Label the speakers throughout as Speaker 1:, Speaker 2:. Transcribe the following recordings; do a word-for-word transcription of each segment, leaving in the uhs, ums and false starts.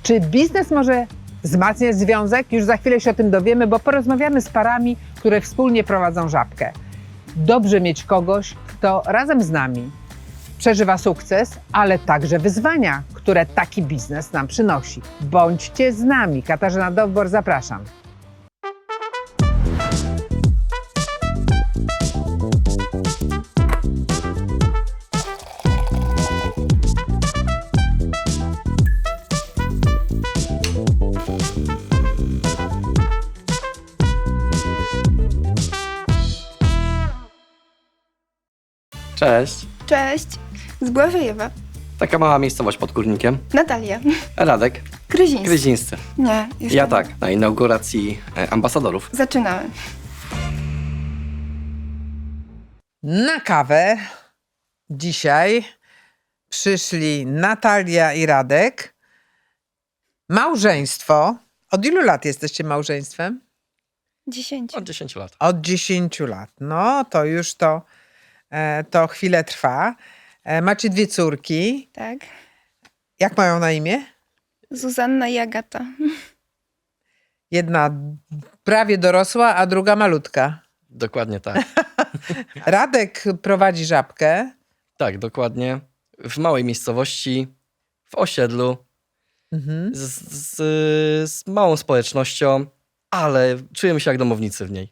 Speaker 1: Czy biznes może wzmacniać związek? Już za chwilę się o tym dowiemy, bo porozmawiamy z parami, które wspólnie prowadzą Żabkę. Dobrze mieć kogoś, kto razem z nami przeżywa sukces, ale także wyzwania, które taki biznes nam przynosi. Bądźcie z nami. Katarzyna Dowbor, zapraszam.
Speaker 2: Cześć.
Speaker 3: Cześć, z Błażejewa.
Speaker 2: Taka mała miejscowość pod Górnikiem.
Speaker 3: Natalia.
Speaker 2: Radek.
Speaker 3: Kryziński.
Speaker 2: Kryzińscy.
Speaker 3: Nie, jeszcze
Speaker 2: Ja
Speaker 3: nie.
Speaker 2: tak, na inauguracji e, ambasadorów.
Speaker 3: Zaczynamy.
Speaker 1: Na kawę dzisiaj przyszli Natalia i Radek. Małżeństwo. Od ilu lat jesteście małżeństwem?
Speaker 3: Dziesięciu.
Speaker 2: Od dziesięciu lat.
Speaker 1: Od dziesięciu lat. No to już to, e, to chwilę trwa. E, macie dwie córki.
Speaker 3: Tak.
Speaker 1: Jak mają na imię?
Speaker 3: Zuzanna i Agata.
Speaker 1: Jedna prawie dorosła, a druga malutka.
Speaker 2: Dokładnie tak.
Speaker 1: Radek prowadzi Żabkę.
Speaker 2: Tak, dokładnie. W małej miejscowości, w osiedlu,
Speaker 1: Mhm.
Speaker 2: z, z, z małą społecznością, ale czujemy się jak domownicy w niej.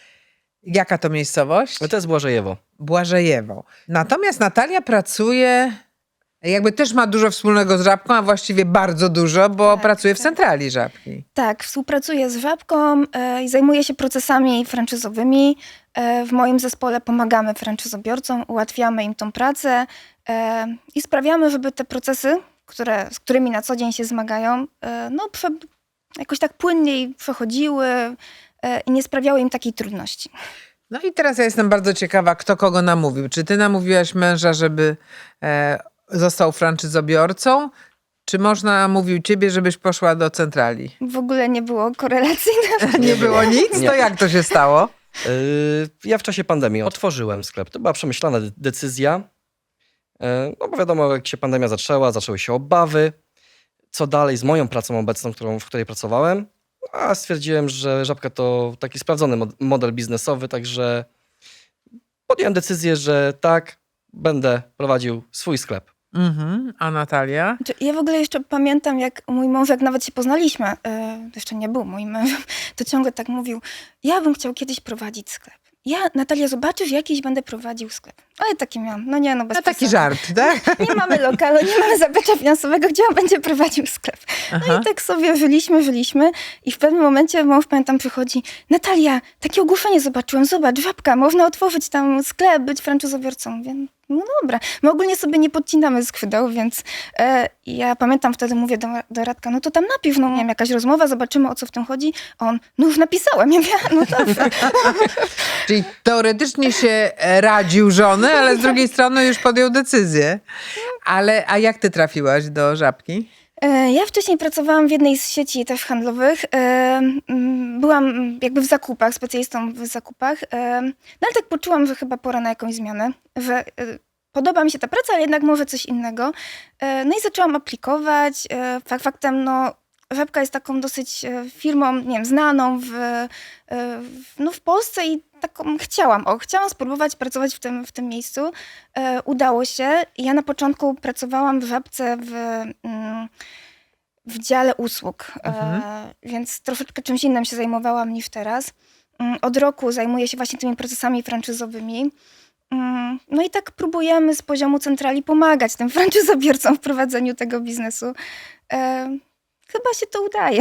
Speaker 1: Jaka to miejscowość?
Speaker 2: No to jest Błażejewo.
Speaker 1: Błażejewo. Natomiast Natalia pracuje, jakby też ma dużo wspólnego z Żabką, a właściwie bardzo dużo, bo
Speaker 3: Tak,
Speaker 1: pracuje w
Speaker 3: tak.
Speaker 1: centrali Żabki.
Speaker 3: Tak, współpracuję z Żabką e, i zajmuję się procesami franczyzowymi. E, w moim zespole pomagamy franczyzobiorcom, ułatwiamy im tą pracę e, i sprawiamy, żeby te procesy, które, z którymi na co dzień się zmagają, e, no, prze, jakoś tak płynniej przechodziły e, i nie sprawiały im takiej trudności.
Speaker 1: No i teraz ja jestem bardzo ciekawa, kto kogo namówił. Czy ty namówiłaś męża, żeby e, został franczyzobiorcą, czy można mówił ciebie, żebyś poszła do centrali?
Speaker 3: W ogóle nie było korelacyjne.
Speaker 1: Nie było nic?
Speaker 2: Nie.
Speaker 1: To jak to się stało?
Speaker 2: Yy, ja w czasie pandemii otworzyłem sklep. To była przemyślana de- decyzja. Yy, no bo wiadomo, jak się pandemia zaczęła, zaczęły się obawy. Co dalej z moją pracą obecną, którą, w której pracowałem? A stwierdziłem, że Żabka to taki sprawdzony mod- model biznesowy, także podjąłem decyzję, że tak, będę prowadził swój sklep.
Speaker 1: Mhm. A Natalia?
Speaker 3: Znaczy, ja w ogóle jeszcze pamiętam, jak mój mąż, jak nawet się poznaliśmy, e, jeszcze nie był moim mężem, to ciągle tak mówił, ja bym chciał kiedyś prowadzić sklep. Ja, Natalia, zobaczysz, jakiś będę prowadził sklep. Ale taki miałam, no nie, no bez
Speaker 1: No taki
Speaker 3: przesady.
Speaker 1: żart, tak?
Speaker 3: Nie mamy lokalu, nie mamy zaplecza finansowego, gdzie on będzie prowadził sklep. No
Speaker 1: Aha.
Speaker 3: i tak sobie żyliśmy, żyliśmy i w pewnym momencie mąż, pamiętam, przychodzi, Natalia, takie ogłoszenie zobaczyłem, zobacz, Żabka, można otworzyć tam sklep, być franczyzobiorcą. Mówię, no dobra. My ogólnie sobie nie podcinamy skrzydeł, więc e, ja pamiętam, wtedy mówię do, do Radka, no to tam napisz, no nie wiem, jakaś rozmowa, zobaczymy, o co w tym chodzi. A on, no już napisałem. Ja mówię, no dobrze.
Speaker 1: Czyli teoretycznie się radził żony, ale z drugiej strony już podjął decyzję. Ale, a jak ty trafiłaś do Żabki?
Speaker 3: E, Ja wcześniej pracowałam w jednej z sieci też handlowych. E, mm, Byłam jakby w zakupach, specjalistą w zakupach. E, No ale tak poczułam, że chyba pora na jakąś zmianę, że e, podoba mi się ta praca, ale jednak może coś innego. E, No i zaczęłam aplikować. E, Fakt faktem, no Żabka jest taką dosyć e, firmą, nie wiem, znaną w, e, w, no w Polsce i taką chciałam, o, chciałam spróbować pracować w tym, w tym miejscu. E, Udało się. Ja na początku pracowałam w Żabce w, mm, w dziale usług,
Speaker 1: Mhm.
Speaker 3: e, więc troszeczkę czymś innym się zajmowałam niż teraz. Mm, Od roku zajmuję się właśnie tymi procesami franczyzowymi. Mm, No i tak próbujemy z poziomu centrali pomagać tym franczyzobiorcom w prowadzeniu tego biznesu. E, Chyba się to udaje.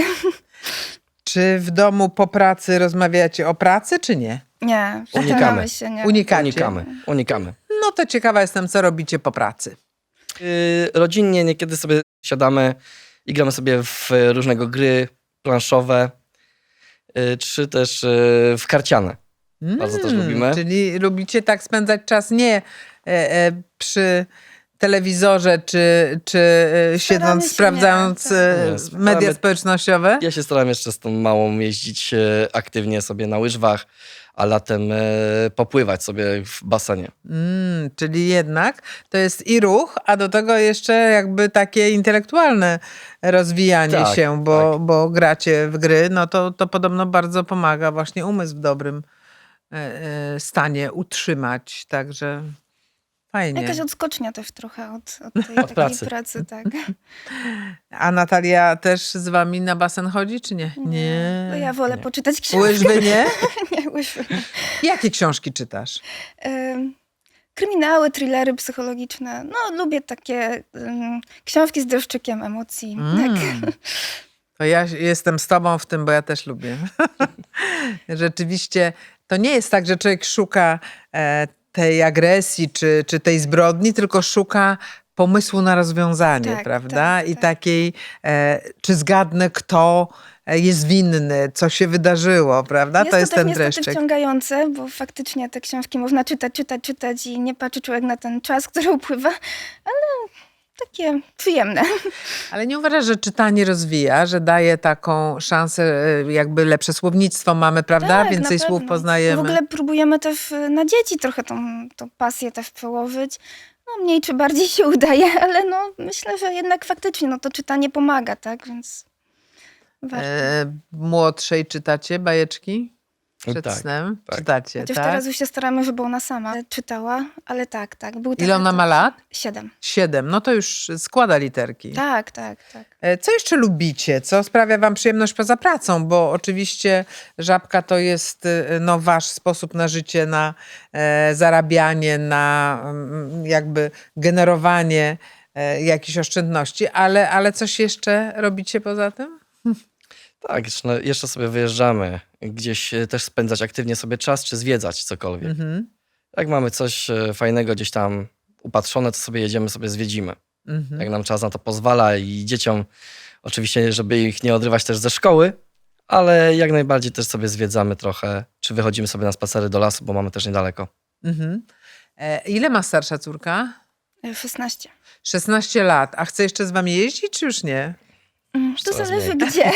Speaker 1: Czy w domu po pracy rozmawiacie o pracy, czy nie?
Speaker 3: Nie,
Speaker 2: Unikamy.
Speaker 3: staramy się, nie.
Speaker 1: Unikacie?
Speaker 2: Unikamy, unikamy.
Speaker 1: No to ciekawa jestem, co robicie po pracy.
Speaker 2: Yy, rodzinnie niekiedy sobie siadamy i gramy sobie w różnego gry planszowe, yy, czy też yy, w karciane. Bardzo też lubimy.
Speaker 1: Czyli lubicie tak spędzać czas nie e, e, przy telewizorze, czy, czy e, siedząc,
Speaker 3: się
Speaker 1: sprawdzając
Speaker 3: nie,
Speaker 1: e,
Speaker 2: tak. Nie,
Speaker 1: media
Speaker 2: staramy-
Speaker 1: społecznościowe?
Speaker 2: Ja się staram jeszcze z tą małą jeździć e, aktywnie sobie na łyżwach, a latem e, popływać sobie w basenie.
Speaker 1: Mm, czyli jednak to jest i ruch, a do tego jeszcze jakby takie intelektualne rozwijanie
Speaker 2: Tak,
Speaker 1: się, bo,
Speaker 2: tak.
Speaker 1: bo gracie w gry, no to, to podobno bardzo pomaga właśnie umysł w dobrym e, e, stanie utrzymać, także fajnie.
Speaker 3: Jakaś odskocznia też trochę od, od tej takiej
Speaker 2: pracy.
Speaker 3: pracy, tak.
Speaker 1: A Natalia też z wami na basen chodzi, czy nie? Nie.
Speaker 3: No ja wolę
Speaker 2: Nie.
Speaker 3: poczytać książkę.
Speaker 1: Łyżwy nie?
Speaker 3: Nie, łyżwy.
Speaker 1: Jakie książki czytasz?
Speaker 3: Ym, Kryminały, thrillery psychologiczne. No, lubię takie ym, książki z dreszczykiem emocji. Tak.
Speaker 1: Mm. To ja jestem z tobą w tym, bo ja też lubię. Rzeczywiście to nie jest tak, że człowiek szuka e, tej agresji czy, czy tej zbrodni, tylko szuka pomysłu na rozwiązanie,
Speaker 3: Tak,
Speaker 1: prawda?
Speaker 3: tak,
Speaker 1: I
Speaker 3: tak.
Speaker 1: takiej, e, czy zgadnę, kto e, jest winny, co się wydarzyło, prawda?
Speaker 3: Jest
Speaker 1: to jest
Speaker 3: też
Speaker 1: ten
Speaker 3: niestety
Speaker 1: dreszczyk.
Speaker 3: wciągające, bo faktycznie te książki można czytać, czytać, czytać i nie patrzy człowiek na ten czas, który upływa, ale takie przyjemne.
Speaker 1: Ale nie uważasz, że czytanie rozwija, że daje taką szansę, e, jakby lepsze słownictwo mamy, prawda?
Speaker 3: Tak,
Speaker 1: Więcej
Speaker 3: na
Speaker 1: słów
Speaker 3: pewno.
Speaker 1: poznajemy.
Speaker 3: W ogóle próbujemy też y, na dzieci trochę tą, tą pasję też przełożyć. No mniej czy bardziej się udaje, ale no myślę, że jednak faktycznie no, to czytanie pomaga, tak? Więc warto.
Speaker 1: E, młodszej czytacie bajeczki? Przed
Speaker 2: Tak,
Speaker 1: snem?
Speaker 2: tak.
Speaker 1: Czytacie,
Speaker 3: Chociaż
Speaker 1: tak?
Speaker 3: teraz już się staramy, żeby ona sama czytała, ale tak, tak. Był taki
Speaker 1: Ile ona ma
Speaker 3: etap.
Speaker 1: lat?
Speaker 3: Siedem.
Speaker 1: Siedem. No to już składa literki.
Speaker 3: Tak, tak, tak.
Speaker 1: E, Co jeszcze lubicie? Co sprawia wam przyjemność poza pracą? Bo oczywiście Żabka to jest e, no, wasz sposób na życie, na e, zarabianie, na mm, jakby generowanie e, jakichś oszczędności, ale, ale coś jeszcze robicie poza tym?
Speaker 2: Tak, jeszcze, no, jeszcze sobie wyjeżdżamy gdzieś e, też spędzać aktywnie sobie czas, czy zwiedzać cokolwiek.
Speaker 1: Mhm.
Speaker 2: Jak mamy coś e, fajnego gdzieś tam upatrzone, to sobie jedziemy, sobie zwiedzimy.
Speaker 1: Mhm.
Speaker 2: Jak nam czas na to pozwala i dzieciom oczywiście, żeby ich nie odrywać też ze szkoły, ale jak najbardziej też sobie zwiedzamy trochę, czy wychodzimy sobie na spacery do lasu, bo mamy też niedaleko.
Speaker 1: Mhm. E, ile ma starsza córka?
Speaker 3: Y, szesnaście.
Speaker 1: szesnaście lat. A chce jeszcze z wami jeździć, czy już nie?
Speaker 3: Mm, To
Speaker 2: Coraz
Speaker 3: zależy
Speaker 2: mniej.
Speaker 3: gdzie.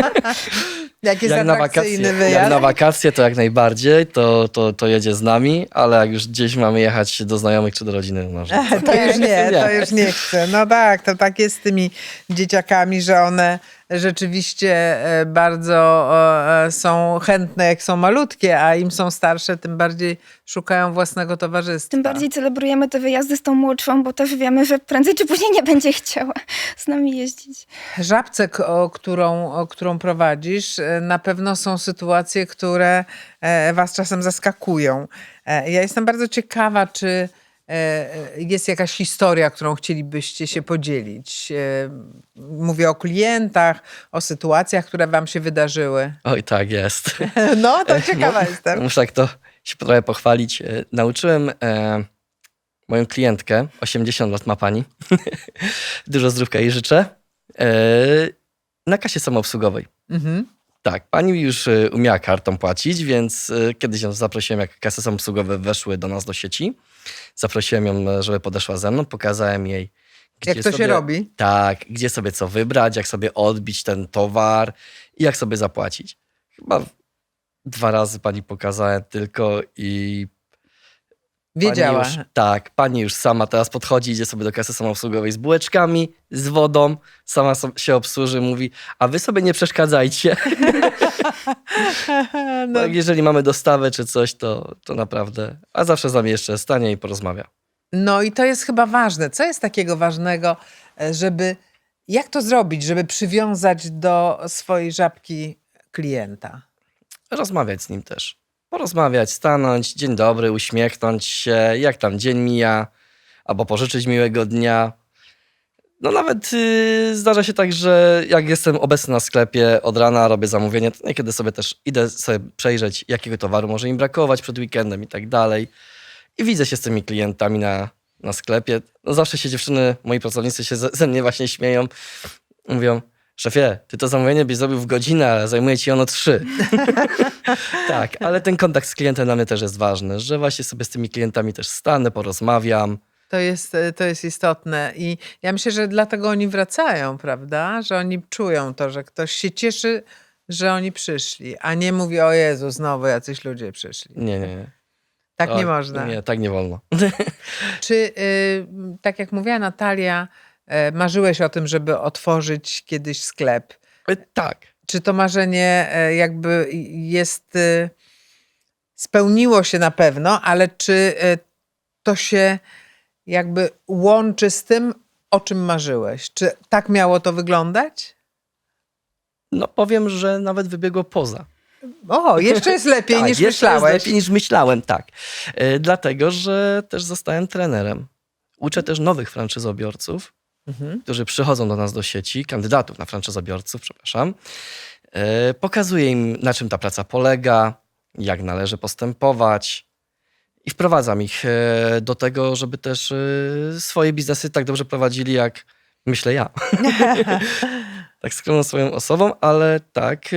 Speaker 1: Jak jest
Speaker 2: Jak na, wakacje,
Speaker 1: atrakcyjny
Speaker 2: jak
Speaker 1: wyjazd?
Speaker 2: na wakacje, to jak najbardziej, to, to, to jedzie z nami, ale jak już gdzieś mamy jechać do znajomych czy do rodziny, no, że
Speaker 1: To już nie,
Speaker 2: Nie.
Speaker 1: to już nie chcę. No tak, to tak jest z tymi dzieciakami, że one rzeczywiście e, bardzo e, są chętne, jak są malutkie, a im są starsze, tym bardziej szukają własnego towarzystwa.
Speaker 3: Tym bardziej celebrujemy te wyjazdy z tą młodszą, bo też wiemy, że prędzej czy później nie będzie chciała z nami jeździć.
Speaker 1: Żabce, k- o którą, o którą prowadzisz, e, na pewno są sytuacje, które e, was czasem zaskakują. E, Ja jestem bardzo ciekawa, czy e, jest jakaś historia, którą chcielibyście się podzielić. E, Mówię o klientach, o sytuacjach, które wam się wydarzyły.
Speaker 2: oj tak jest.
Speaker 1: No, to ciekawa jestem.
Speaker 2: Muszę tak to się trochę pochwalić. E, Nauczyłem e, moją klientkę, osiemdziesiąt lat ma pani, dużo zdrówka jej życzę, e, na kasie samoobsługowej.
Speaker 1: Mhm.
Speaker 2: Tak, pani już e, umiała kartą płacić, więc e, kiedyś ją zaprosiłem, jak kasy samoobsługowe weszły do nas do sieci. Zaprosiłem ją, żeby podeszła ze mną, pokazałem jej, gdzie
Speaker 1: Jak to
Speaker 2: sobie,
Speaker 1: się robi?
Speaker 2: Tak, gdzie sobie co wybrać, jak sobie odbić ten towar i jak sobie zapłacić. Chyba dwa razy pani pokazałem tylko i
Speaker 1: Wiedziała.
Speaker 2: Pani już, tak, pani już sama teraz podchodzi, idzie sobie do kasy samoobsługowej z bułeczkami, z wodą, sama so, się obsłuży, mówi, a wy sobie nie przeszkadzajcie.
Speaker 1: No,
Speaker 2: No, jeżeli mamy dostawę czy coś, to, to naprawdę, a zawsze z nami jeszcze stanie i porozmawia.
Speaker 1: no i to jest chyba ważne. Co jest takiego ważnego, e, żeby... Jak to zrobić, żeby przywiązać do swojej żabki klienta?
Speaker 2: Rozmawiać z nim też. Porozmawiać, stanąć, dzień dobry, uśmiechnąć się, jak tam dzień mija, albo pożyczyć miłego dnia. No nawet yy, zdarza się tak, że jak jestem obecny na sklepie od rana, robię zamówienie, to niekiedy sobie też idę sobie przejrzeć, jakiego towaru może im brakować przed weekendem i tak dalej. I widzę się z tymi klientami na, na sklepie. No zawsze się dziewczyny, moi pracownicy się ze, ze mnie właśnie śmieją. Mówią, szefie, ty to zamówienie byś zrobił w godzinę, ale zajmuje ci ono trzy. Tak, ale ten kontakt z klientem dla mnie też jest ważny, że właśnie sobie z tymi klientami też stanę, porozmawiam.
Speaker 1: To jest, to jest istotne i ja myślę, że dlatego oni wracają, prawda? Że oni czują to, że ktoś się cieszy, że oni przyszli, a nie mówi, o Jezu, znowu jacyś ludzie przyszli.
Speaker 2: Nie, nie, nie.
Speaker 1: Tak nie
Speaker 2: O,
Speaker 1: można.
Speaker 2: Nie, tak nie wolno.
Speaker 1: Czy, y, tak jak mówiła Natalia, y, marzyłeś o tym, żeby otworzyć kiedyś sklep?
Speaker 2: E, Tak.
Speaker 1: Czy to marzenie y, jakby jest, y, spełniło się na pewno, ale czy y, to się jakby łączy z tym, o czym marzyłeś? Czy tak miało to wyglądać?
Speaker 2: No powiem, że nawet wybiegło poza.
Speaker 1: O, jeszcze jest lepiej
Speaker 2: Tak,
Speaker 1: niż
Speaker 2: jeszcze jest
Speaker 1: myślałeś.
Speaker 2: lepiej niż myślałem, tak. E, Dlatego, że też zostałem trenerem. Uczę też nowych franczyzobiorców,
Speaker 1: Mhm.
Speaker 2: którzy przychodzą do nas do sieci, kandydatów na franczyzobiorców, przepraszam. E, Pokazuję im, na czym ta praca polega, jak należy postępować i wprowadzam ich e, do tego, żeby też e, swoje biznesy tak dobrze prowadzili, jak myślę ja. Tak skromną swoją osobą, ale tak e,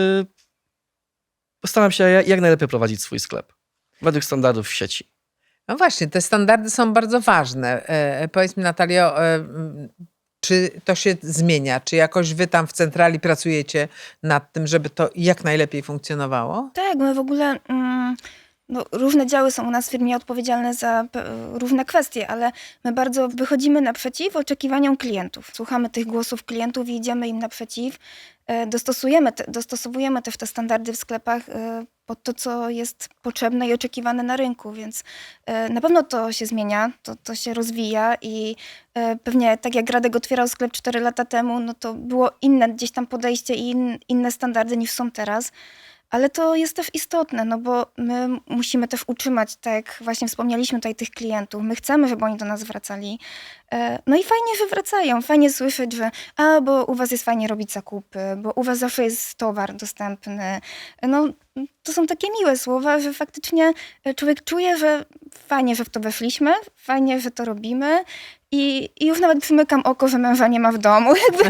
Speaker 2: postaram się jak jak najlepiej prowadzić swój sklep według standardów w sieci.
Speaker 1: No właśnie, te standardy są bardzo ważne. E, powiedz mi, Natalio, e, m, czy to się zmienia? Czy jakoś wy tam w centrali pracujecie nad tym, żeby to jak najlepiej funkcjonowało?
Speaker 3: Tak, my w ogóle mm, no, różne działy są u nas w firmie odpowiedzialne za p- różne kwestie, ale my bardzo wychodzimy naprzeciw oczekiwaniom klientów. Słuchamy tych głosów klientów i idziemy im naprzeciw. E, Dostosujemy te, dostosowujemy też te standardy w sklepach e, pod to, co jest potrzebne i oczekiwane na rynku, więc e, na pewno to się zmienia, to, to się rozwija i e, pewnie tak jak Radek otwierał sklep cztery lata temu, no to było inne gdzieś tam podejście i in, inne standardy niż są teraz. Ale to jest też istotne, no bo my musimy też utrzymać, tak jak właśnie wspomnieliśmy tutaj, tych klientów. My chcemy, żeby oni do nas wracali. E, No i fajnie, że wracają. Fajnie słyszeć, że a, bo u was jest fajnie robić zakupy, bo u was zawsze jest towar dostępny. No to są takie miłe słowa, że faktycznie człowiek czuje, że fajnie, że w to weszliśmy, fajnie, że to robimy. I, i już nawet przymykam oko, że męża nie ma w domu. Jakby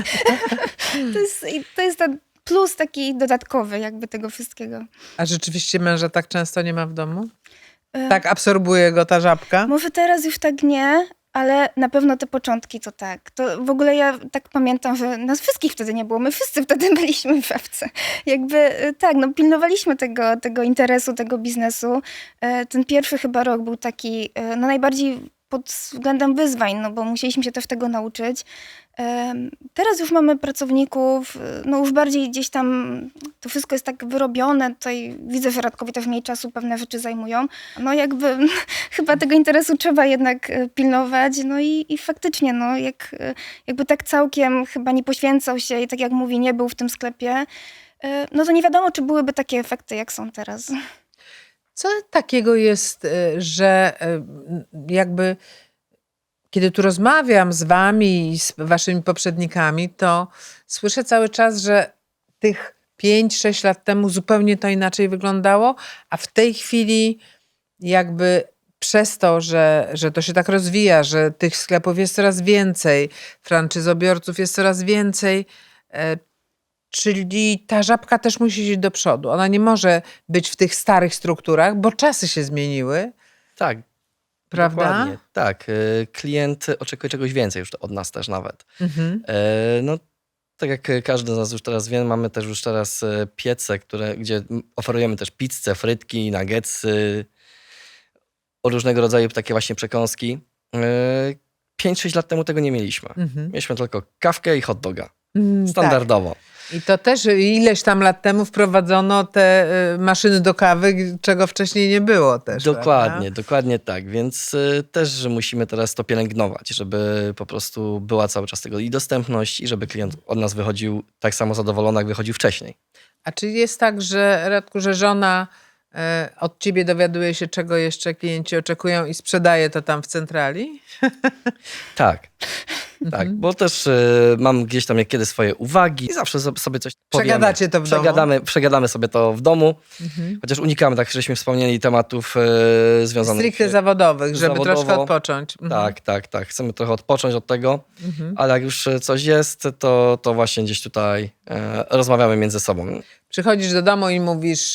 Speaker 3: to jest, to jest ta plus taki dodatkowy jakby tego wszystkiego.
Speaker 1: A rzeczywiście męża tak często nie ma w domu?
Speaker 3: E,
Speaker 1: Tak absorbuje go ta żabka?
Speaker 3: Może teraz już tak nie, ale na pewno te początki to tak. To w ogóle ja tak pamiętam, że nas wszystkich wtedy nie było. My wszyscy wtedy byliśmy w szafce. Jakby e, tak, no pilnowaliśmy tego, tego interesu, tego biznesu. E, Ten pierwszy chyba rok był taki e, no najbardziej pod względem wyzwań, no bo musieliśmy się też tego nauczyć. Em, Teraz już mamy pracowników, y, no już bardziej gdzieś tam to wszystko jest tak wyrobione. Tutaj widzę, że Radkowi też mniej czasu pewne rzeczy zajmują. No jakby chyba tego interesu trzeba jednak y, pilnować. No i, i faktycznie, no jak, y, jakby tak całkiem chyba nie poświęcał się i tak jak mówi, nie był w tym sklepie, y, no to nie wiadomo, czy byłyby takie efekty, jak są teraz.
Speaker 1: Co takiego jest, y, że y, jakby kiedy tu rozmawiam z wami i z waszymi poprzednikami, to słyszę cały czas, że tych pięć sześć lat temu zupełnie to inaczej wyglądało, a w tej chwili jakby przez to, że, że to się tak rozwija, że tych sklepów jest coraz więcej, franczyzobiorców jest coraz więcej, e, czyli ta żabka też musi iść do przodu. Ona nie może być w tych starych strukturach, bo czasy się zmieniły,
Speaker 2: Tak,
Speaker 1: prawda?
Speaker 2: dokładnie. Tak, e, klient oczekuje czegoś więcej już od nas też nawet.
Speaker 1: Mhm.
Speaker 2: E, No, tak jak każdy z nas już teraz wie, mamy też już teraz e, piece, które, gdzie m- oferujemy też pizzę, frytki, nuggetsy, o różnego rodzaju takie właśnie przekąski. E, pięć sześć lat temu tego nie mieliśmy.
Speaker 1: Mhm.
Speaker 2: Mieliśmy tylko kawkę i hot doga.
Speaker 1: Mm,
Speaker 2: Standardowo.
Speaker 1: Tak. I to też ileś tam lat temu wprowadzono te y, maszyny do kawy, czego wcześniej nie było też.
Speaker 2: Dokładnie,
Speaker 1: prawda?
Speaker 2: dokładnie tak. Więc y, też że musimy teraz to pielęgnować, żeby po prostu była cały czas tego i dostępność, i żeby klient od nas wychodził tak samo zadowolony, jak wychodził wcześniej.
Speaker 1: A czy jest tak, że Radku, że żona e, od ciebie dowiaduje się, czego jeszcze klienci oczekują i sprzedaje to tam w centrali?
Speaker 2: Tak. Tak, bo też y, mam gdzieś tam niekiedy swoje uwagi i zawsze so- sobie coś powiemy.
Speaker 1: Przegadacie to w domu?
Speaker 2: przegadamy, Przegadamy sobie to w domu,
Speaker 1: Mhm.
Speaker 2: chociaż unikamy, tak żeśmy wspomnieli, tematów y, związanych...
Speaker 1: Stricte zawodowych, żeby
Speaker 2: zawodowo.
Speaker 1: troszkę odpocząć. Mhm.
Speaker 2: Tak, tak, tak. Chcemy trochę odpocząć od tego,
Speaker 1: Mhm.
Speaker 2: ale jak już coś jest, to, to właśnie gdzieś tutaj e, rozmawiamy między sobą.
Speaker 1: Przychodzisz do domu i mówisz,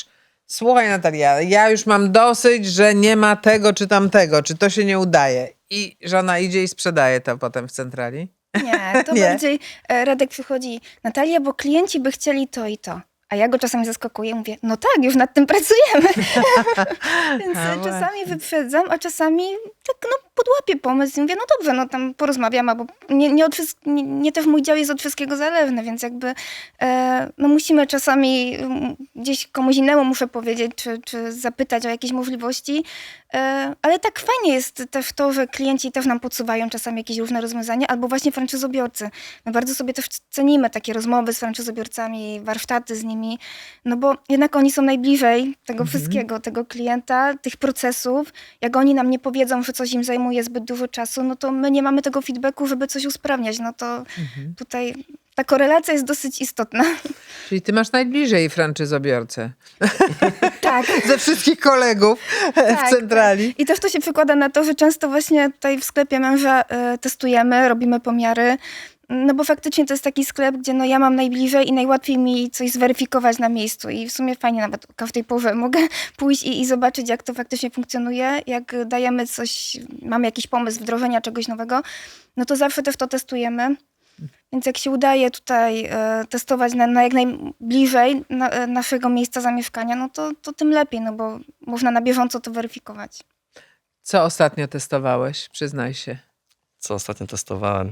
Speaker 1: Słuchaj Natalia, ja już mam dosyć, że nie ma tego czy tamtego, czy to się nie udaje. I żona idzie i sprzedaje to potem w centrali.
Speaker 3: Nie, to
Speaker 1: Nie?
Speaker 3: bardziej e, Radek przychodzi, Natalia, bo klienci by chcieli to i to. A ja go czasami zaskakuję, mówię, no tak, już nad tym pracujemy. Więc
Speaker 1: A,
Speaker 3: e, czasami
Speaker 1: właśnie.
Speaker 3: wyprzedzam, a czasami tak no podłapię pomysł i mówię, no dobrze, no tam porozmawiam, bo nie, nie, od wszystk- nie, nie to w mój dział jest od wszystkiego zależne, więc jakby e, no musimy czasami mm, gdzieś komuś innemu muszę powiedzieć, czy, czy zapytać o jakieś możliwości, e, ale tak fajnie jest też to, że klienci też nam podsuwają czasami jakieś różne rozwiązania, albo właśnie franczyzobiorcy. My bardzo sobie też cenimy takie rozmowy z franczyzobiorcami, warsztaty z nimi, no bo jednak oni są najbliżej tego wszystkiego, tego klienta, tych procesów. Jak oni nam nie powiedzą, że coś im zajmuje zbyt dużo czasu, no to my nie mamy tego feedbacku, żeby coś usprawniać. No to tutaj ta korelacja jest dosyć istotna.
Speaker 1: Czyli ty masz najbliżej franczyzobiorcę.
Speaker 3: Tak.
Speaker 1: Ze wszystkich kolegów
Speaker 3: Tak,
Speaker 1: w centrali.
Speaker 3: I też to się przekłada na to, że często właśnie tutaj w sklepie męża e, testujemy, robimy pomiary, no bo faktycznie to jest taki sklep, gdzie no ja mam najbliżej i najłatwiej mi coś zweryfikować na miejscu i w sumie fajnie nawet o każdej porze mogę pójść i, i zobaczyć, jak to faktycznie funkcjonuje, jak dajemy coś, mamy jakiś pomysł wdrożenia czegoś nowego, no to zawsze też to testujemy. Więc jak się udaje tutaj e, testować na, na jak najbliżej na, e, naszego miejsca zamieszkania, no to, to tym lepiej, no bo można na bieżąco to weryfikować.
Speaker 1: Co ostatnio testowałeś? Przyznaj się.
Speaker 2: Co ostatnio testowałem?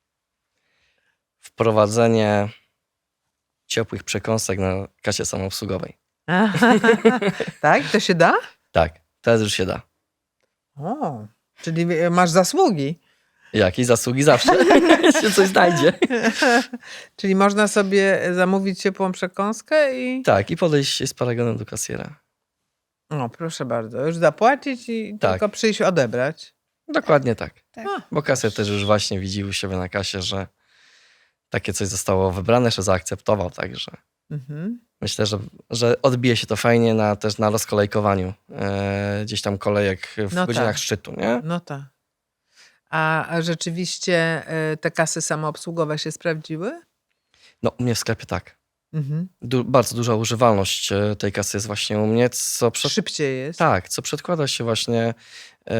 Speaker 2: Wprowadzenie ciepłych przekąsek na kasie samoobsługowej.
Speaker 1: Tak? To się da?
Speaker 2: Tak, teraz już się da.
Speaker 1: O, czyli masz zasługi.
Speaker 2: Jakieś zasługi zawsze się coś znajdzie.
Speaker 1: Czyli można sobie zamówić ciepłą przekąskę i...
Speaker 2: Tak, i podejść z paragonem do kasjera.
Speaker 1: O, proszę bardzo. Już zapłacić i
Speaker 2: Tak.
Speaker 1: tylko przyjść odebrać.
Speaker 2: Dokładnie tak.
Speaker 3: Tak.
Speaker 1: A,
Speaker 2: Bo kasjer też już właśnie widzi u siebie na kasie, że takie coś zostało wybrane, że zaakceptował, także
Speaker 1: mhm.
Speaker 2: myślę, że, że odbije się to fajnie na, też na rozkolejkowaniu e, gdzieś tam kolejek w
Speaker 1: No
Speaker 2: godzinach
Speaker 1: tak.
Speaker 2: szczytu, nie?
Speaker 1: No tak. A a rzeczywiście y, te kasy samoobsługowe się sprawdziły?
Speaker 2: No u mnie w sklepie tak.
Speaker 1: Mhm.
Speaker 2: Du- bardzo duża używalność e, tej kasy jest właśnie u mnie, co przed...
Speaker 1: Szybciej jest.
Speaker 2: Tak, co przedkłada się właśnie e,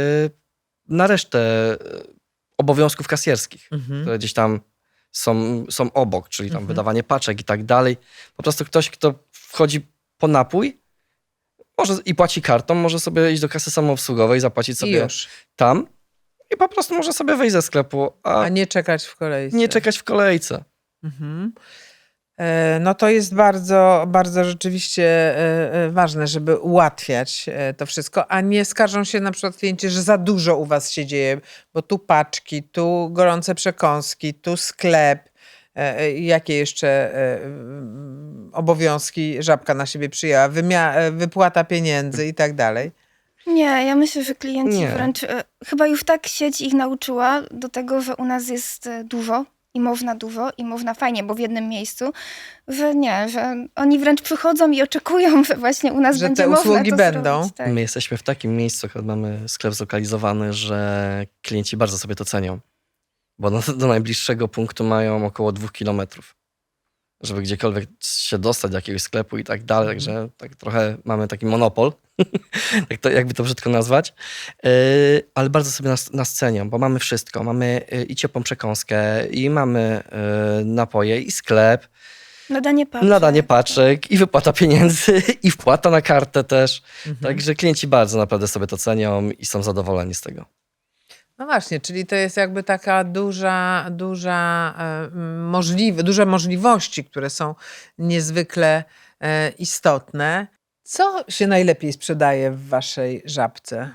Speaker 2: na resztę e, obowiązków kasjerskich,
Speaker 1: Mhm.
Speaker 2: które gdzieś tam są, są obok, czyli tam
Speaker 1: Mhm.
Speaker 2: wydawanie paczek i tak dalej. Po prostu ktoś, kto wchodzi po napój może i płaci kartą, może sobie iść do kasy samoobsługowej, zapłacić
Speaker 1: I
Speaker 2: sobie
Speaker 1: już.
Speaker 2: tam i po prostu może sobie wyjść ze sklepu, a,
Speaker 1: A nie czekać w kolejce.
Speaker 2: nie czekać w kolejce.
Speaker 1: Mhm. E, No to jest bardzo, bardzo rzeczywiście e, e, ważne, żeby ułatwiać e, to wszystko, a nie skarżą się na przykład klienci, że za dużo u was się dzieje, bo tu paczki, tu gorące przekąski, tu sklep. E, e, Jakie jeszcze e, mm, obowiązki Żabka na siebie przyjęła? Wymia- e, wypłata pieniędzy i tak dalej.
Speaker 3: Nie, ja myślę, że klienci
Speaker 2: Nie.
Speaker 3: wręcz e, chyba już tak sieć ich nauczyła do tego, że u nas jest e, dużo i można dużo i można fajnie, bo w jednym miejscu, że nie, że oni wręcz przychodzą i oczekują, że właśnie u nas
Speaker 1: Że
Speaker 3: będzie
Speaker 1: te
Speaker 3: można
Speaker 1: usługi
Speaker 3: to
Speaker 1: będą.
Speaker 3: zrobić. Tak.
Speaker 2: My jesteśmy w takim miejscu, akurat mamy sklep zlokalizowany, że klienci bardzo sobie to cenią. Bo do, do najbliższego punktu mają około dwóch kilometrów. Żeby gdziekolwiek się dostać do jakiegoś sklepu i tak dalej. Także tak trochę mamy taki monopol, tak to, jakby to brzydko nazwać. Yy, ale bardzo sobie nas, nas cenią, bo mamy wszystko. Mamy yy, i ciepłą przekąskę, i mamy yy, napoje, i sklep,
Speaker 3: Nadanie paczek.
Speaker 2: nadanie paczek, i wypłata pieniędzy, i wpłata na kartę też.
Speaker 1: Mhm.
Speaker 2: Także klienci bardzo naprawdę sobie to cenią i są zadowoleni z tego.
Speaker 1: No właśnie, czyli to jest jakby taka duża, duża e, możliwe, duże możliwości, które są niezwykle e, istotne. Co się najlepiej sprzedaje w waszej Żabce?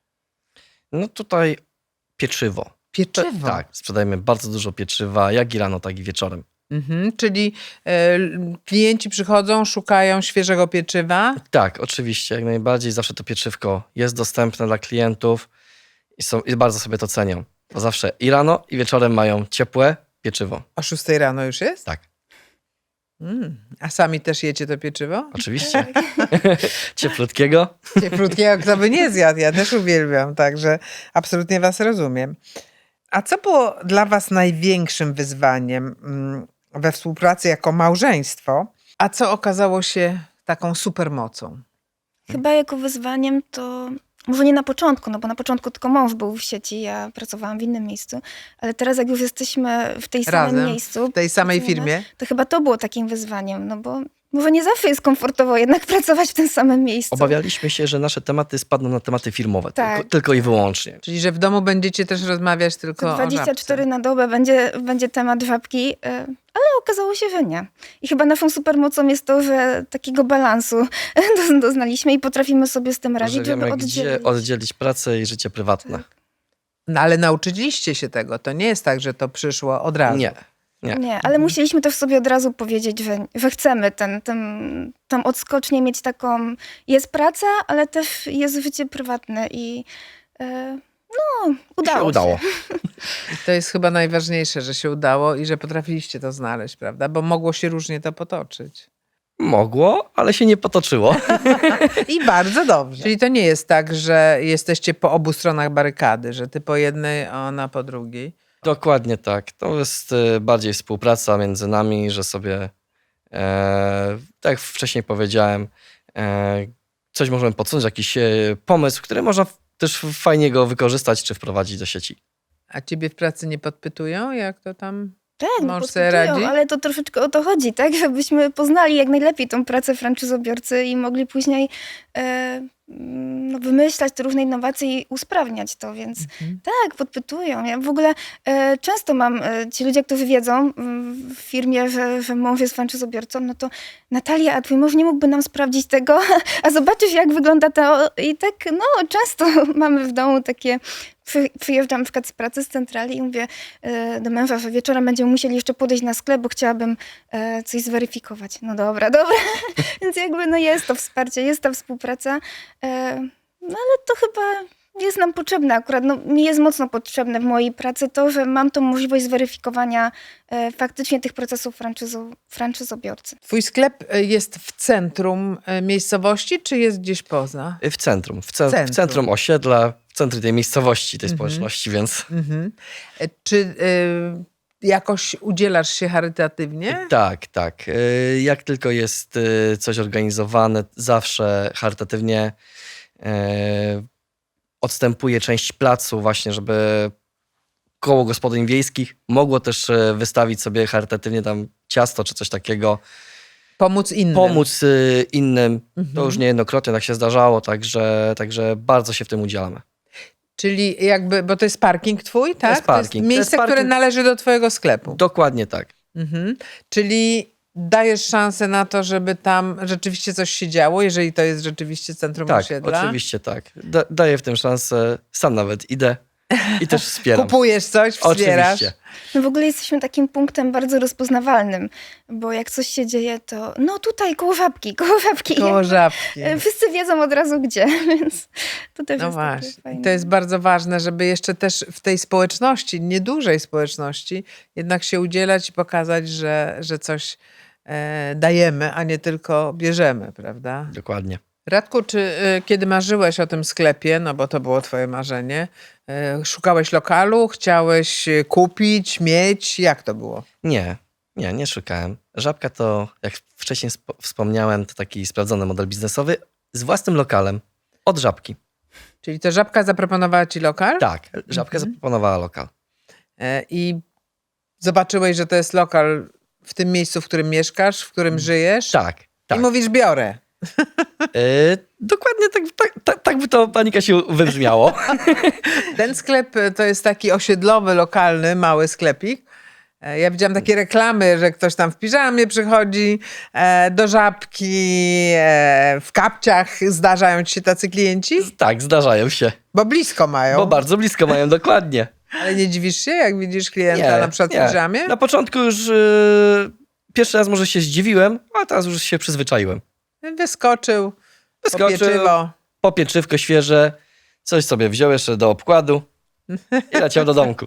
Speaker 2: No tutaj pieczywo.
Speaker 1: Pieczywo.
Speaker 2: Tak, sprzedajemy bardzo dużo pieczywa, jak i rano, tak i wieczorem.
Speaker 1: Mhm, czyli e, l- klienci przychodzą, szukają świeżego pieczywa.
Speaker 2: Tak, oczywiście, jak najbardziej. Zawsze to pieczywko jest dostępne dla klientów i, są, i bardzo sobie to cenią. Bo zawsze i rano, i wieczorem mają ciepłe pieczywo.
Speaker 1: O szóstej rano już jest?
Speaker 2: Tak,
Speaker 1: Mm. A sami też jecie to pieczywo?
Speaker 2: oczywiście. Cieplutkiego.
Speaker 1: Cieplutkiego, kto by nie zjadł, ja też uwielbiam, także absolutnie was rozumiem. A co było dla was największym wyzwaniem mm, we współpracy jako małżeństwo, a co okazało się taką supermocą?
Speaker 3: Chyba jako wyzwaniem to, może nie na początku, no bo na początku tylko mąż był w sieci, ja pracowałam w innym miejscu, ale teraz jak już jesteśmy w tej samym
Speaker 1: Razem,
Speaker 3: miejscu,
Speaker 1: w tej samej
Speaker 3: pracujemy,
Speaker 1: firmie?
Speaker 3: to chyba to było takim wyzwaniem, no bo może nie zawsze jest komfortowo jednak pracować w tym samym miejscu.
Speaker 2: Obawialiśmy się, że nasze tematy spadną na tematy filmowe,
Speaker 3: Tak.
Speaker 2: tylko, tylko i wyłącznie.
Speaker 1: Czyli, że w domu będziecie też rozmawiać tylko
Speaker 3: To
Speaker 1: o
Speaker 3: dwadzieścia cztery
Speaker 1: żabce.
Speaker 3: na dobę będzie, będzie temat żabki, y, ale okazało się, że nie. I chyba naszą supermocą jest to, że takiego balansu do- doznaliśmy i potrafimy sobie z tym
Speaker 2: Że
Speaker 3: radzić,
Speaker 2: wiemy,
Speaker 3: żeby
Speaker 2: gdzie
Speaker 3: oddzielić.
Speaker 2: oddzielić pracę i życie prywatne.
Speaker 3: Tak.
Speaker 1: No ale nauczyliście się tego. To nie jest tak, że to przyszło od razu.
Speaker 2: Nie, nie.
Speaker 3: Nie, ale musieliśmy też sobie od razu powiedzieć, że, że chcemy ten, ten, tą odskocznię mieć taką, jest praca, ale też jest życie prywatne i e, no, udało
Speaker 2: się
Speaker 3: się.
Speaker 2: udało.
Speaker 1: I to jest chyba najważniejsze, że się udało i że potrafiliście to znaleźć, prawda? Bo mogło się różnie to potoczyć.
Speaker 2: Mogło, ale się nie potoczyło.
Speaker 1: I bardzo dobrze. Czyli to nie jest tak, że jesteście po obu stronach barykady, że ty po jednej, a ona po drugiej.
Speaker 2: Dokładnie tak. To jest e, bardziej współpraca między nami, że sobie, e, tak jak wcześniej powiedziałem, e, coś możemy podsunąć, jakiś e, pomysł, który można w- też fajnie go wykorzystać czy wprowadzić do sieci.
Speaker 1: A ciebie w pracy nie podpytują, jak to tam?
Speaker 3: Tak, no
Speaker 1: Mąż sobie
Speaker 3: podpytują,
Speaker 1: radzi?
Speaker 3: ale to troszeczkę o to chodzi, tak? Żebyśmy poznali jak najlepiej tą pracę franczyzobiorcy i mogli później e, no, wymyślać te różne innowacje i usprawniać to, więc
Speaker 1: Mhm.
Speaker 3: tak, podpytują. Ja w ogóle e, często mam, e, ci ludzie, którzy wiedzą mm, w firmie, że, że mąż jest franczyzobiorcą, no to Natalia, a twój mąż nie mógłby nam sprawdzić tego? A zobaczysz, jak wygląda to. I tak, no, często mamy w domu takie, przy, przyjeżdżam na przykład z pracy z centrali i mówię e, do męża, że wieczorem będziemy musieli jeszcze podejść na sklep, bo chciałabym e, coś zweryfikować. No dobra, dobra. Więc jakby no jest to wsparcie, jest ta współpraca. E, no ale to chyba jest nam potrzebne akurat. No, mi jest mocno potrzebne w mojej pracy to, że mam tą możliwość zweryfikowania e, faktycznie tych procesów franczyzo, franczyzobiorcy.
Speaker 1: Twój sklep y, jest w centrum y, miejscowości, czy jest gdzieś poza?
Speaker 2: W centrum, w, ce-
Speaker 1: Centrum.
Speaker 2: w centrum osiedla, w centrum tej miejscowości, tej
Speaker 1: Mhm.
Speaker 2: społeczności, więc
Speaker 1: Mhm. E, Czy y, jakoś udzielasz się charytatywnie?
Speaker 2: tak, tak. Y, Jak tylko jest y, coś organizowane, zawsze charytatywnie y, odstępuję część placu właśnie, żeby koło gospodyń wiejskich mogło też y, wystawić sobie charytatywnie tam ciasto czy coś takiego,
Speaker 1: Pomóc innym?
Speaker 2: pomóc y, innym.
Speaker 1: Mhm.
Speaker 2: To już niejednokrotnie tak się zdarzało, także, także bardzo się w tym udzielamy.
Speaker 1: Czyli jakby, bo to jest parking twój, tak?
Speaker 2: jest parking.
Speaker 1: To
Speaker 2: To
Speaker 1: jest
Speaker 2: jest
Speaker 1: miejsce, które
Speaker 2: parking.
Speaker 1: należy do twojego sklepu.
Speaker 2: Dokładnie tak.
Speaker 1: Mhm. Czyli dajesz szansę na to, żeby tam rzeczywiście coś się działo, jeżeli to jest rzeczywiście centrum
Speaker 2: Tak,
Speaker 1: osiedla?
Speaker 2: oczywiście tak. Da, daję w tym szansę, sam nawet idę i też wspieram.
Speaker 1: Kupujesz coś, wspierasz?
Speaker 2: Oczywiście.
Speaker 3: My w ogóle jesteśmy takim punktem bardzo rozpoznawalnym, bo jak coś się dzieje, to no tutaj koło żabki, koło żabki.
Speaker 1: Koło żabki.
Speaker 3: E, Wszyscy wiedzą od razu gdzie, więc to też
Speaker 1: No
Speaker 3: jest takie
Speaker 1: właśnie.
Speaker 3: fajne.
Speaker 1: To jest bardzo ważne, żeby jeszcze też w tej społeczności, niedużej społeczności, jednak się udzielać i pokazać, że, że coś e, dajemy, a nie tylko bierzemy, prawda?
Speaker 2: Dokładnie.
Speaker 1: Radku, czy y, kiedy marzyłeś o tym sklepie, no bo to było twoje marzenie, y, szukałeś lokalu, chciałeś y, kupić, mieć, jak to było?
Speaker 2: Nie, nie, nie szukałem. Żabka to, jak wcześniej sp- wspomniałem, to taki sprawdzony model biznesowy z własnym lokalem od Żabki.
Speaker 1: Czyli to Żabka zaproponowała ci lokal?
Speaker 2: Tak, Żabka
Speaker 1: Mhm.
Speaker 2: zaproponowała lokal.
Speaker 1: E, I zobaczyłeś, że to jest lokal w tym miejscu, w którym mieszkasz, w którym żyjesz?
Speaker 2: Tak, tak.
Speaker 1: I mówisz, biorę.
Speaker 2: Y, dokładnie tak, tak, tak, tak by to, pani Kasiu, wybrzmiało.
Speaker 1: Ten sklep y, to jest taki osiedlowy, lokalny, mały sklepik. E, Ja widziałam takie reklamy, że ktoś tam w piżamie przychodzi e, do Żabki, e, w kapciach zdarzają ci się tacy klienci?
Speaker 2: Tak, zdarzają się.
Speaker 1: Bo blisko mają.
Speaker 2: Bo bardzo blisko mają, dokładnie.
Speaker 1: Ale nie dziwisz się, jak widzisz klienta na przykład w piżamie?
Speaker 2: Na początku już y, pierwszy raz może się zdziwiłem, a teraz już się przyzwyczaiłem.
Speaker 1: Wyskoczył,
Speaker 2: Wyskoczył,
Speaker 1: po pieczywo.
Speaker 2: po pieczywko świeże, coś sobie wziął jeszcze do obkładu i leciał do domku.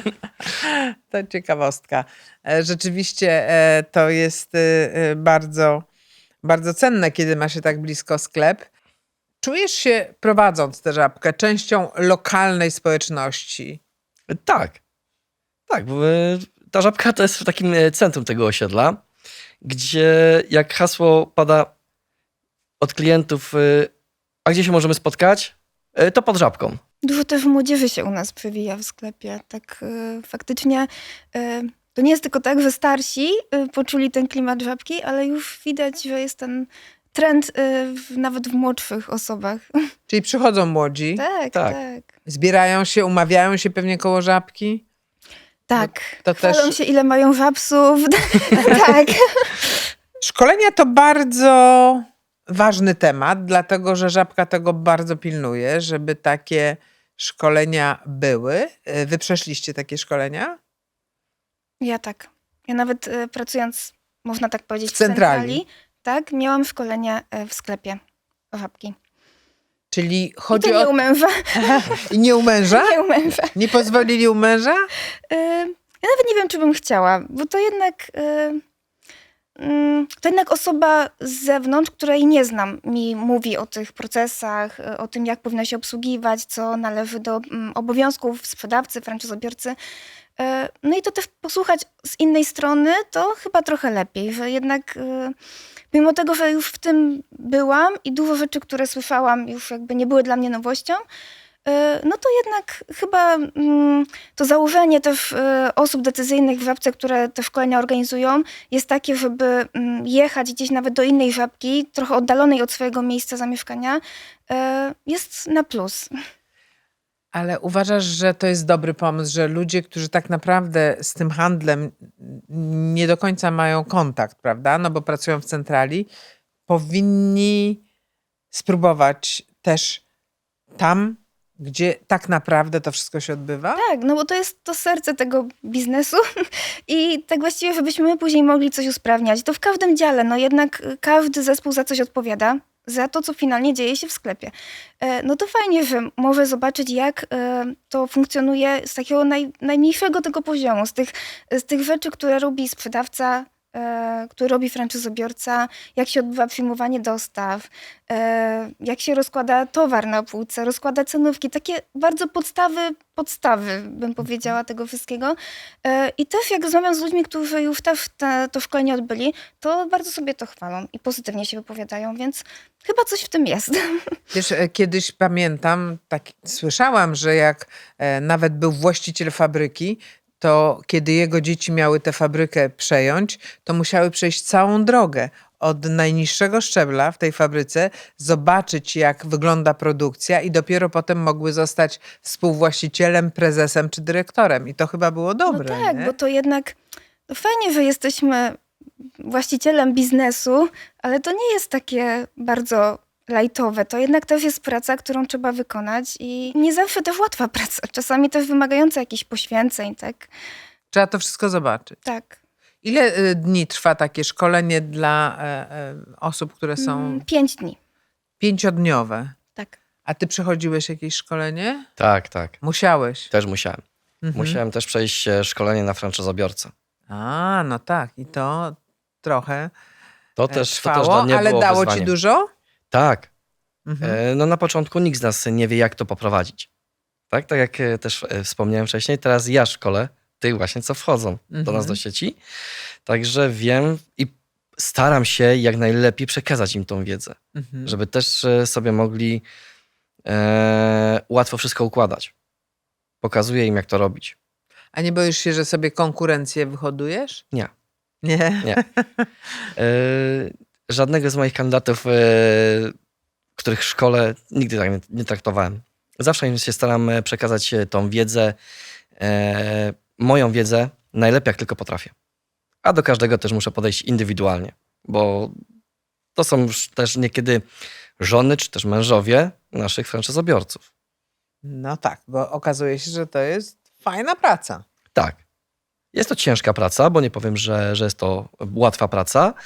Speaker 1: To ciekawostka. E, Rzeczywiście e, to jest e, e, bardzo, bardzo cenne, kiedy ma się tak blisko sklep. Czujesz się, prowadząc tę Żabkę, częścią lokalnej społeczności?
Speaker 2: Tak, tak, bo y, ta Żabka to jest w takim y, centrum tego osiedla, gdzie jak hasło pada od klientów, y, a gdzie się możemy spotkać? Y, To pod Żabką.
Speaker 3: Dużo też młodzieży się u nas przewija w sklepie. Tak y, faktycznie y, to nie jest tylko tak, że starsi y, poczuli ten klimat Żabki, ale już widać, że jest ten trend y, w, nawet w młodszych osobach.
Speaker 1: Czyli przychodzą młodzi,
Speaker 3: tak,
Speaker 2: Tak.
Speaker 3: tak.
Speaker 1: zbierają się, umawiają się pewnie koło Żabki.
Speaker 3: Tak.
Speaker 1: To
Speaker 3: Chwalą
Speaker 1: też-
Speaker 3: się, ile mają żabsów. tak.
Speaker 1: Szkolenia to bardzo ważny temat, dlatego że Żabka tego bardzo pilnuje, żeby takie szkolenia były. E, Wy przeszliście takie szkolenia?
Speaker 3: Ja tak. Ja nawet y, pracując, można tak powiedzieć,
Speaker 1: W centrali.
Speaker 3: tak, miałam szkolenie y, w sklepie Żabki.
Speaker 1: Czyli
Speaker 3: I
Speaker 1: chodzi
Speaker 3: to nie
Speaker 1: o...
Speaker 3: u męża.
Speaker 1: I nie u męża?
Speaker 3: Nie u męża.
Speaker 1: Nie pozwolili u męża?
Speaker 3: Y, Ja nawet nie wiem, czy bym chciała, bo to jednak, y, mm, to jednak osoba z zewnątrz, której nie znam, mi mówi o tych procesach, y, o tym, jak powinno się obsługiwać, co należy do mm, obowiązków sprzedawcy, franczyzobiorcy. Y, No i to też posłuchać z innej strony, to chyba trochę lepiej, że jednak y, mimo tego, że już w tym byłam i dużo rzeczy, które słyszałam, już jakby nie były dla mnie nowością, y, no to jednak chyba mm, to założenie też y, osób decyzyjnych w Żabce, które te szkolenia organizują, jest takie, żeby mm, jechać gdzieś nawet do innej Żabki, trochę oddalonej od swojego miejsca zamieszkania, y, jest na plus.
Speaker 1: Ale uważasz, że to jest dobry pomysł, że ludzie, którzy tak naprawdę z tym handlem nie do końca mają kontakt, prawda? No bo pracują w centrali, powinni spróbować też tam, gdzie tak naprawdę to wszystko się odbywa?
Speaker 3: Tak, no bo to jest to serce tego biznesu i tak właściwie, żebyśmy my później mogli coś usprawniać. To w każdym dziale, no jednak y, każdy zespół za coś odpowiada, za to, co finalnie dzieje się w sklepie. E, No to fajnie, że może zobaczyć, jak e, to funkcjonuje z takiego naj, najmniejszego tego poziomu, z tych, z tych rzeczy, które robi sprzedawca, e, który robi franczyzobiorca, jak się odbywa przyjmowanie dostaw, e, jak się rozkłada towar na półce, rozkłada cenówki, takie bardzo podstawy, podstawy, bym powiedziała, tego wszystkiego. E, I też jak rozmawiam z ludźmi, którzy już też te, to szkolenie odbyli, to bardzo sobie to chwalą i pozytywnie się wypowiadają, więc chyba coś w tym jest.
Speaker 1: Wiesz, e, kiedyś pamiętam, tak słyszałam, że jak e, nawet był właściciel fabryki, to kiedy jego dzieci miały tę fabrykę przejąć, to musiały przejść całą drogę od najniższego szczebla w tej fabryce, zobaczyć jak wygląda produkcja i dopiero potem mogły zostać współwłaścicielem, prezesem czy dyrektorem. I to chyba było dobre,
Speaker 3: No tak,
Speaker 1: nie?
Speaker 3: bo to jednak to fajnie, że jesteśmy właścicielem biznesu, ale to nie jest takie bardzo lajtowe. To jednak też jest praca, którą trzeba wykonać i nie zawsze też łatwa praca. Czasami też wymagająca jakichś poświęceń, tak?
Speaker 1: Trzeba to wszystko zobaczyć.
Speaker 3: Tak.
Speaker 1: Ile y, dni trwa takie szkolenie dla e, e, osób, które są
Speaker 3: Mm, Pięć dni.
Speaker 1: pięciodniowe?
Speaker 3: Tak.
Speaker 1: A ty przechodziłeś jakieś szkolenie?
Speaker 2: Tak, tak.
Speaker 1: Musiałeś.
Speaker 2: Też musiałem.
Speaker 1: Mhm.
Speaker 2: Musiałem też przejść e, szkolenie na franczyzobiorcę.
Speaker 1: A, no tak. I to trochę
Speaker 2: To
Speaker 1: e,
Speaker 2: też, to
Speaker 1: trwało,
Speaker 2: też dla mnie
Speaker 1: ale
Speaker 2: było
Speaker 1: dało
Speaker 2: wyzwaniem.
Speaker 1: ci dużo?
Speaker 2: Tak.
Speaker 1: Mhm.
Speaker 2: E, No na początku nikt z nas nie wie, jak to poprowadzić. Tak, tak jak e, też e, wspomniałem wcześniej, teraz ja szkolę tych właśnie, co wchodzą do nas
Speaker 1: Mhm.
Speaker 2: do sieci. Także wiem i staram się jak najlepiej przekazać im tą wiedzę,
Speaker 1: Mhm.
Speaker 2: żeby też e, sobie mogli e, łatwo wszystko układać. Pokazuję im, jak to robić.
Speaker 1: A nie boisz się, że sobie konkurencję wyhodujesz?
Speaker 2: Nie.
Speaker 1: Nie?
Speaker 2: Nie. E, żadnego z moich kandydatów, e, których szkole, nigdy tak nie, nie traktowałem. Zawsze im się staram e, przekazać e, tą wiedzę, e, moją wiedzę, najlepiej jak tylko potrafię. A do każdego też muszę podejść indywidualnie, bo to są już też niekiedy żony czy też mężowie naszych franczyzobiorców.
Speaker 1: No tak, bo okazuje się, że to jest fajna praca.
Speaker 2: Tak. Jest to ciężka praca, bo nie powiem, że, że jest to łatwa praca.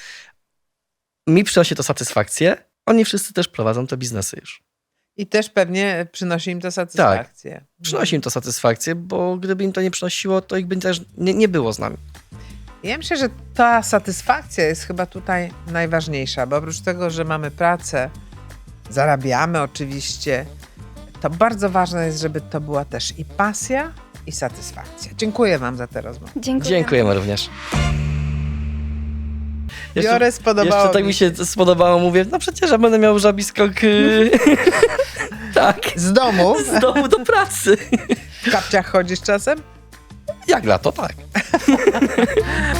Speaker 2: Mi przynosi to satysfakcję. Oni wszyscy też prowadzą te biznesy już.
Speaker 1: I też pewnie przynosi im to satysfakcję.
Speaker 2: Przynosi im to satysfakcję, bo gdyby im to nie przynosiło, to ich by też nie, nie było z nami.
Speaker 1: Ja myślę, że ta satysfakcja jest chyba tutaj najważniejsza, bo oprócz tego, że mamy pracę, zarabiamy oczywiście, to bardzo ważne jest, żeby to była też i pasja, i satysfakcja. Dziękuję wam za tę rozmowę.
Speaker 3: Dziękuję.
Speaker 2: Dziękujemy również. Jeszcze-
Speaker 4: biorę, spodobało
Speaker 2: Jeszcze tak
Speaker 4: mi
Speaker 2: mi się spodobało, mówię, no przecież ja będę miał żabi skok y, tak,
Speaker 4: Z domu?
Speaker 2: z domu do pracy.
Speaker 4: W kapciach chodzisz czasem?
Speaker 2: Jak lato, tak.